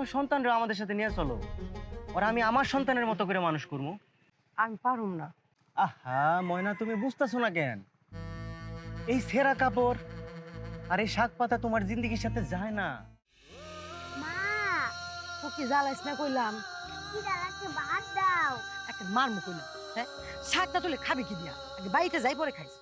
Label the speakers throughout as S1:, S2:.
S1: তোমার সন্তানরা আমাদের সাথে নিয়ে চলো, ওরা আমি আমার সন্তানের মতো করে মানুষ করবো।
S2: আমি পারুম না।
S1: আহা ময়না, তুমি বুঝতেছো না কেন? এই ছেঁড়া কাপড় আর এই শাক পাতা তোমার জিন্দগির সাথে যায় না।
S3: মা,
S2: তো কি জ্বালাইস না কইলাম?
S3: খিদা লাগছে, ভাত দাও।
S2: একটা মারমু কইলাম। হ্যাঁ, শাকটা তুলে খাবি কি দিয়া? আগে বাড়িতে যাই পরে খাইস।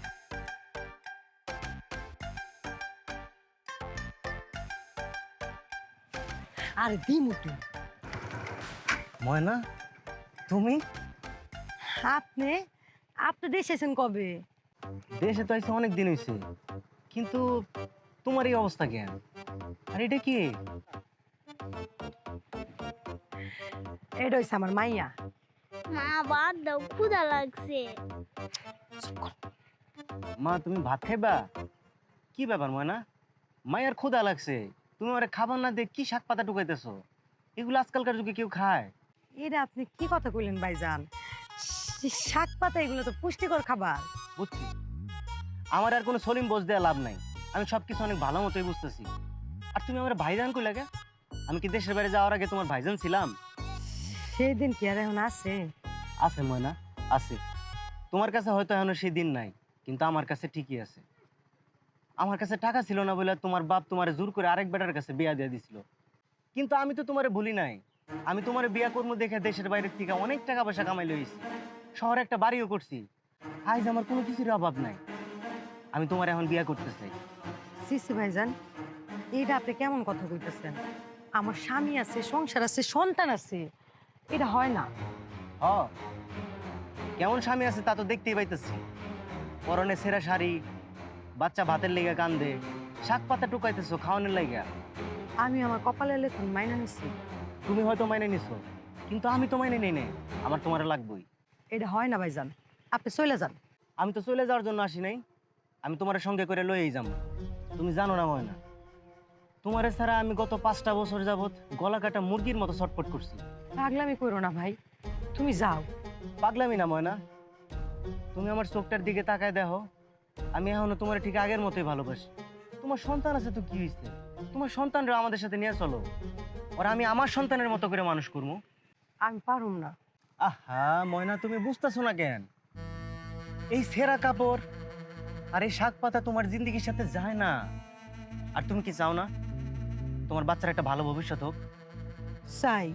S2: আরে দিমু তুই।
S1: ময়না, তুমি
S2: আপনি আপনি দেশে এসেছেন কবে?
S1: দেশে তো আইসে অনেক দিন হয়েছে, কিন্তু তোমার এই অবস্থা কেন? আর এটা কি?
S2: এটা হইছে আমার মাইয়া।
S3: মা, ভাত দাও, ক্ষুধা লাগছে।
S1: মা তুমি ভাত খাইবা? কি ব্যাপার ময়না, মায়ের ক্ষুধা লাগছে, তুমি আমার খাবার না দিয়ে কি শাক পাতা টুকাইতেছো? এগুলো আজকালকার যুগে কেউ খায়?
S2: এটা আপনি কি কথা কইলেন ভাইজান? শাক পাতা এগুলো তো পুষ্টিকর খাবার।
S1: বুঝছি, আমার আর কোনো সলিম বোঝ দেওয়া লাভ নাই, আমি সবকিছু অনেক ভালো মতোই বুঝতেছি। আর তুমি আমার ভাইজান কই লাগে? আমি কি দেশের বাইরে যাওয়ার আগে তোমার ভাইজান ছিলাম?
S2: সেই দিন কি আর এখন আছে?
S1: আছে ময়না, আছে। তোমার কাছে হয়তো এখনো সেই দিন নাই, কিন্তু আমার কাছে ঠিকই আছে। আমার কাছে টাকা ছিল না বলে তোমার বাপ তোমারে জোর করে আরেক বেটার কাছে বিয়া দিয়ে দিছিল, কিন্তু আমি তো তোমারে ভুলি নাই। আমি তোমার বিয়া কর্ম দেখে দেশের বাইরে থেকে অনেক টাকা পয়সা কামাই লইছি, শহরে একটা বাড়িও করছি। আজ আমার কোনো কিছুর অভাব নাই। আমি তোমার এখন বিয়া করতে চাই।
S2: সিসি ভাইজান, এইটা আপনি কেমন কথা কইতেছেন? আমার স্বামী আছে, সংসার আছে, সন্তান আছে, এটা হয় না।
S1: হ, কেমন স্বামী আছে তা তো দেখতেই পাইতেছি। পরনে ছেঁড়া শাড়ি, বাচ্চা ভাতের লেগে কান্দে, শাক পাতা টুকাইতেছো খাওয়ানোর লাইগা।
S2: আমি আমার কপালে লেখুন মাইনা নিছি।
S1: তুমি হয়তো মাইনে নিছো, কিন্তু আমি তো মাইনে নেই নে। আমার তোমার লাগবেই।
S2: এটা হয় না ভাইজান, আপনি চলে যান।
S1: আমি তো চলে যাওয়ার জন্য আসি নাই, আমি তোমার সঙ্গে করে লইয়েই যাবো। তুমি জানো না ময়না, তোমারে ছাড়া আমি গত 5টা বছর যাবত গলা কাটা মুরগির মতো ছটফট করছি।
S2: পাগলামি করো না ভাই, তুমি যাও।
S1: পাগলামি না ময়না, তুমি আমার চোখটার দিকে তাকায় দেখো, আমি এখনো তোমার ঠিক আগের মতোই ভালোবাসি। তোমার সন্তান আছে তো কি হয়েছে? তোমার সন্তানরা আমাদের সাথে নিয়ে চলো, ওরা আমি আমার সন্তানের মতো করে মানুষ করবো।
S2: আমি পারুম না।
S1: আহা ময়না, তুমি বুঝতেছো না কেন? এই ছেঁড়া কাপড় আর এই শাক পাতা তোমার জিন্দগির সাথে যায় না। আর তুমি কি চাও না তোমার বাচ্চার একটা ভালো ভবিষ্যৎ হোক?
S2: চাই।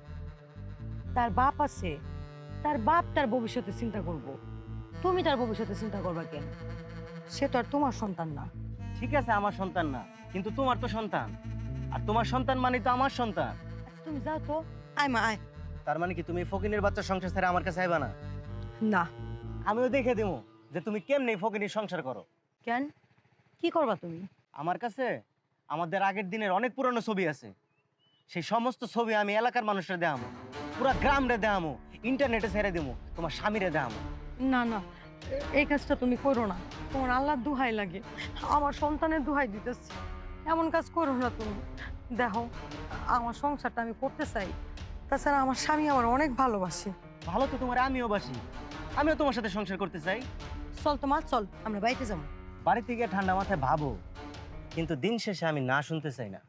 S2: তার বাপ আছে, তার বাপ তার ভবিষ্যতে চিন্তা করব। তুমি তার ভবিষ্যতে চিন্তা করবা কেন? সে তো আর তোমার সন্তান না।
S1: ঠিক আছে, আমার সন্তান না, কিন্তু তোমার তো সন্তান। আর তোমার সন্তান মানে তো আমার সন্তান।
S2: আচ্ছা, তুমি যাও তো। আয় মা আয়।
S1: তার মানে কি তুমি ফকিনের বাচ্চার সংসার ছেড়ে আমার কাছে আইবা না?
S2: না।
S1: আমিও দেখে দেবো যে তুমি কেমনে ফকিনের সংসার করো।
S2: কেন? কি করবা তুমি?
S1: আমার কাছে আমাদের আগের দিনের অনেক পুরনো ছবি আছে, সেই সমস্ত ছবি আমি এলাকার মানুষরা দেখামো, পুরা গ্রামরে দেখামো, ইন্টারনেটে ছেড়ে দেবো, তোমার স্বামীরে দেখামো।
S2: না না, এই কাজটা তুমি করো না। তোমার আল্লাহর দুহাই লাগে, আমার সন্তানের দুহাই দিতেছি। এমন কাজ করো না তুমি। দেখো, আমার সংসারটা আমি করতে চাই। তাছাড়া আমার স্বামী আমার অনেক ভালোবাসে।
S1: ভালো তো তোমার আমিও বাসি, আমিও তোমার সাথে সংসার করতে চাই।
S2: চল তোমার, চল আমরা বাড়িতে যাবো।
S1: বাড়ি থেকে ঠান্ডা মাথায় ভাবো, কিন্তু দিন শেষে আমি না শুনতে চাই না।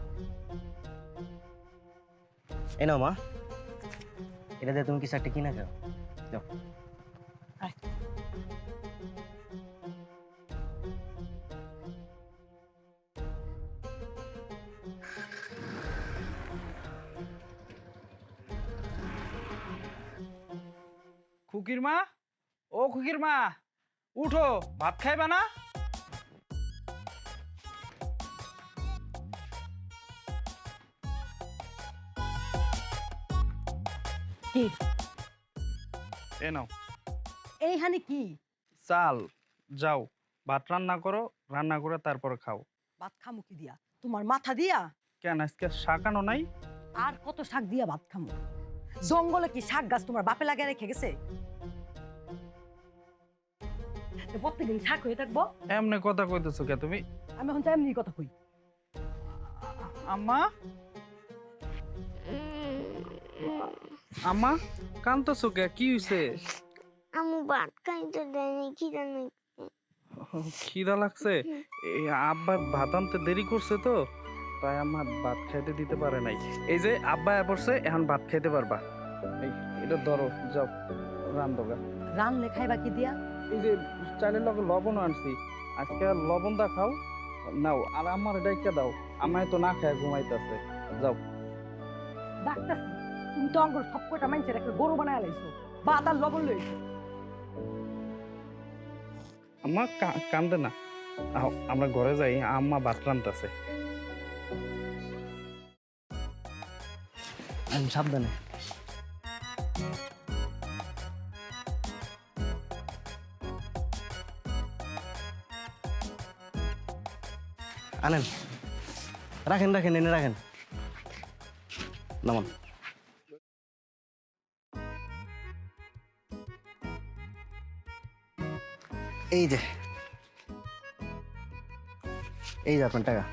S1: এই নাও মা, এটা দিয়ে তুমি কিছু একটা কিনা খাও। যাও।
S2: আয়।
S4: খুকির মা, ও খুকির মা, উঠো, ভাত খাইবা না?
S2: কি
S4: এ নাও
S2: এইখানে কি?
S4: চাল, যাও ভাত রান্না করো, রান্না করে তারপর খাও।
S2: ভাত খামু কি দিয়া? তোমার মাথা দিয়া?
S4: কেন আজকে শাকানো নাই?
S2: আর কত শাক দিয়া ভাত খামু? জঙ্গলে কি শাক গাছ তোমার বাপে লাগিয়ে রেখে গেছে? প্রত্যেকদিন শাক হয়ে থাকবো?
S4: এমনি কথা কইতেছো কে তুমি?
S2: আমি এখন তো এমনি কথা কই।
S4: আম্মা, আম্মা কান্দতেছো কে? কি হইছে?
S3: আমু ভাত খাইতে দেয়নি, খিদা নেই।
S4: খিদা লাগছে? এই আব্বা ভাত আনতে দেরি করছে তো, তাই আমার ভাত খাইতে দিতে পারে নাই। এই যে আব্বা পড়ছে, এখন ভাত খাইতে পারবা। এই এটা ধরো, যাও রান্ধোগা।
S2: রান লেখাই বাকি দিয়া
S4: এই যে চালের লগে লবণ আনছি, আজকে লবণটা খাও, নাও। আর আমার ডাইকা দাও, আমায় তো না খায় ঘুমাইতেছে। যাও।
S2: ডাক্তার তুমি তো অঙ্গর সব কটা মাইনছের একটা গরু বানায় লাইছো ভাত আর লবণ লইছো।
S4: আম্মা কান্দে না, আও, আমরা ঘরে যাই, আম্মা ভাত রান্তাছে।
S1: সাবধানে। আনেন, রাখেন রাখেন, এনে রাখেন। নামান। এই যে, এই যে আপনার টাকা।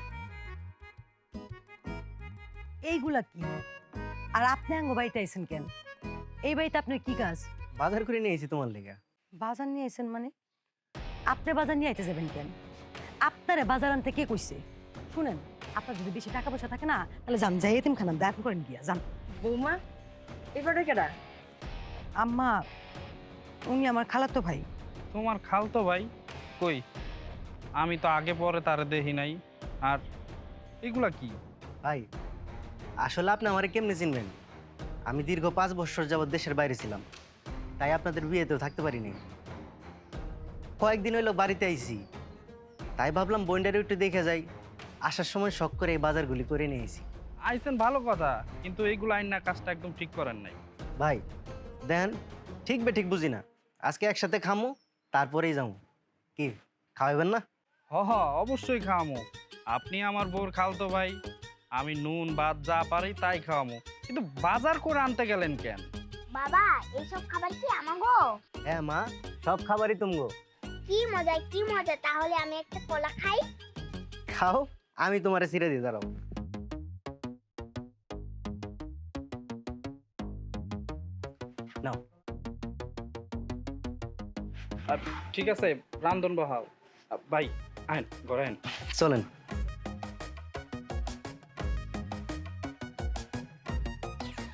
S2: এইগুলা কি? আর আপনি আঙ্গ বাড়িতে আইছেন কেন? এই বাড়িতে আপনার কি কাজ?
S1: বাজার করে নিয়ে এসেছি তোমার লেগে।
S2: বাজার নিয়ে আইছেন মানে? আপনি বাজার নিয়ে আইতে যাবেন কেন? আপনারে বাজার আনতে কে কইছে? শুনেন, আপনার যদি বেশি টাকা পয়সা থাকে না, তাহলে যান, যাই এতিমখানা দেখা করেন গিয়া যান।
S5: বৌমা এবারে কেডা?
S2: আম্মা, উনি আমার খালাতো ভাই।
S4: তোমার খালতো ভাই? কই, আমি তো আগে পরে তারে দেখি নাই। আর এগুলা কি?
S1: ভাই, আসলে আপনি আমারে কেমনে চিনবেন? আমি দীর্ঘ 5 বছর যাবৎ দেশের বাইরে ছিলাম, তাই আপনাদের বিয়েতেও থাকতে পারিনি। কয়েকদিন হইলো বাড়িতে আইছি, তাই ভাবলাম বন্ডারে একটু দেখে যাই। আসার সময় শখ করে এই বাজারগুলি করে নিয়ে এসেছি।
S4: আইছেন ভালো কথা, কিন্তু এইগুলো আইন না, কাজটা একদম ঠিক করেন নাই।
S1: ভাই দেখেন, ঠিক বে ঠিক বুঝি না। আজকে একসাথে খামো, তারপরেই যাবো। কি খাওয়াবেন না?
S4: হ হ, অবশ্যই খাওয়ামো। আপনি আমার বউর খালতো ভাই, আমি নুন ভাত যা পারি তাই খাওয়ামো। কিন্তু বাজার করে আনতে গেলেন কেন?
S3: বাবা এইসব খাবার কি আমাগো?
S1: হ্যাঁ মা, সব খাবারই তুমগো।
S3: কি মজা কি মজা, তাহলে আমি একটা কলা খাই।
S1: খাও, আমি তোমারে ছিঁড়ে দিয়ে দাঁড়াবো। নাও।
S4: আর ঠিক আছে, রান্ধন বহাও। ভাই আইন, ঘরে আইন।
S1: চলেন।